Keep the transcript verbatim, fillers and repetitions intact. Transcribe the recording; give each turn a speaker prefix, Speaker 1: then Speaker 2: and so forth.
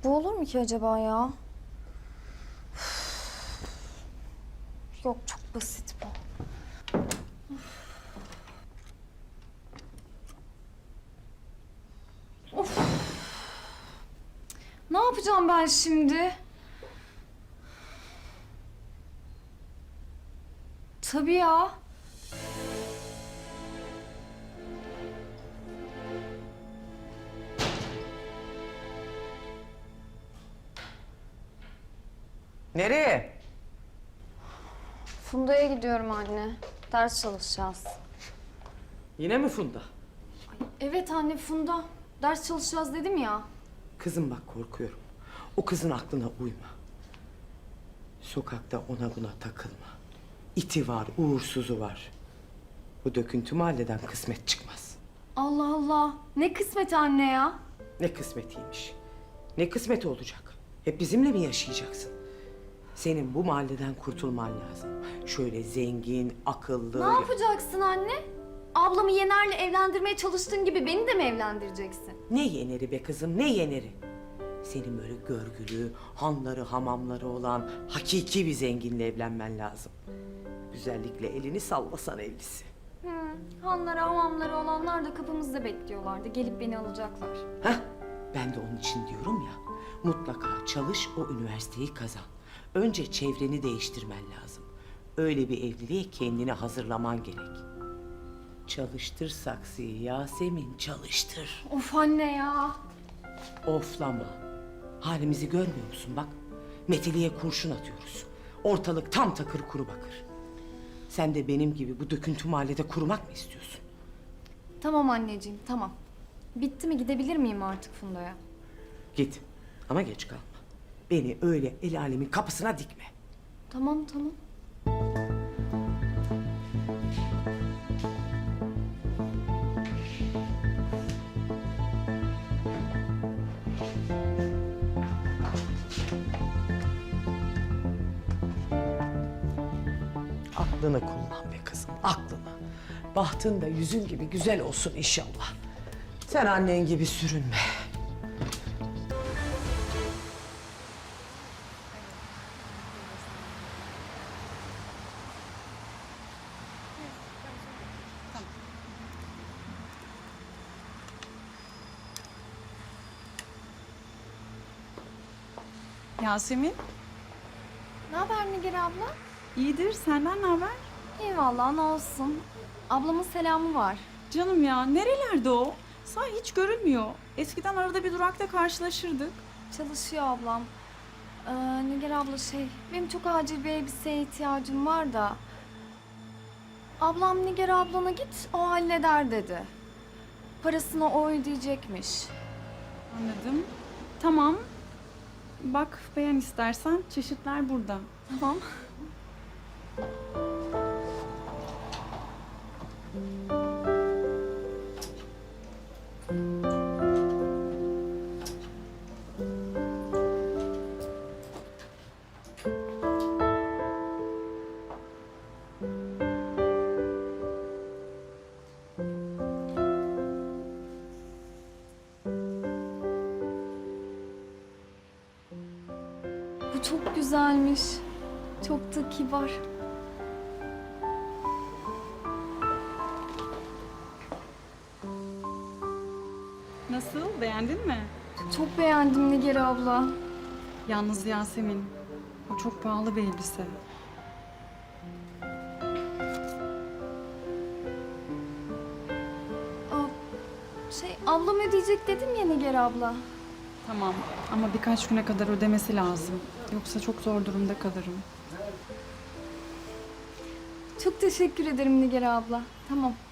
Speaker 1: Bu olur mu ki acaba ya? Yok, çok basit bu. Of. Ne yapacağım ben şimdi? Tabii ya.
Speaker 2: Nereye?
Speaker 1: Funda'ya gidiyorum anne. Ders çalışacağız.
Speaker 2: Yine mi Funda?
Speaker 1: Evet anne, Funda. Ders çalışacağız dedim ya.
Speaker 2: Kızım bak korkuyorum. O kızın aklına uyma. Sokakta ona buna takılma. İti var, uğursuzu var. Bu döküntü mahalleden kısmet çıkmaz.
Speaker 1: Allah Allah. Ne kısmet anne ya.
Speaker 2: Ne kısmetiymiş. Ne kısmeti olacak? Hep bizimle mi yaşayacaksın? Senin bu mahalleden kurtulman lazım. Şöyle zengin, akıllı...
Speaker 1: Ne yapacaksın anne? Ablamı Yener'le evlendirmeye çalıştığın gibi beni de mi evlendireceksin?
Speaker 2: Ne yeneri be kızım, ne yeneri? Senin böyle görgülü, hanları, hamamları olan hakiki bir zenginle evlenmen lazım. Güzellikle elini sallasan evlisi.
Speaker 1: Hı, hanları, hamamları olanlar da kapımızda bekliyorlardı. Gelip beni alacaklar.
Speaker 2: Hah, ben de onun için diyorum ya, mutlaka çalış, o üniversiteyi kazan. Önce çevreni değiştirmen lazım. Öyle bir evliliğe kendini hazırlaman gerek. Çalıştır saksıyı Yasemin, çalıştır.
Speaker 1: Of anne ya.
Speaker 2: Oflama. Halimizi görmüyor musun bak? Meteliğe kurşun atıyoruz. Ortalık tam takır kuru bakır. Sen de benim gibi bu döküntü mahallede kurumak mı istiyorsun?
Speaker 1: Tamam anneciğim, tamam. Bitti mi, gidebilir miyim artık Funda'ya?
Speaker 2: Git ama geç kalma. Beni öyle el alemin kapısına dikme.
Speaker 1: Tamam, tamam.
Speaker 2: Aklını kullan be kızım, aklını. Bahtın da yüzün gibi güzel olsun inşallah. Sen annen gibi sürünme.
Speaker 3: Yasemin,
Speaker 1: Ne haber Nigar abla?
Speaker 3: iyidir. Senden ne haber?
Speaker 1: Eyvallah, ne olsun. Ablamın selamı var.
Speaker 3: Canım ya, nerelerde o? Sağ hiç görünmüyor. Eskiden arada bir durakta karşılaşırdık.
Speaker 1: Çalışıyor ablam. Ee, Nigar abla şey, benim çok acil bir elbiseye ihtiyacım var da... Ablam Nigar ablana git, o halleder dedi. Parasını o ödeyecekmiş.
Speaker 3: Anladım. Tamam. Bak, beğen istersen. Çeşitler burada.
Speaker 1: Tamam. Bu çok güzelmiş. Çok da kibar.
Speaker 3: Nasıl? Beğendin mi?
Speaker 1: Çok beğendim Nigar abla.
Speaker 3: Yalnız Yasemin, bu çok pahalı bir elbise.
Speaker 1: Aa, şey, ablam ödeyecek dedim ya Nigar abla.
Speaker 3: Tamam ama birkaç güne kadar ödemesi lazım. Yoksa çok zor durumda kalırım.
Speaker 1: Çok teşekkür ederim Nigar abla. Tamam.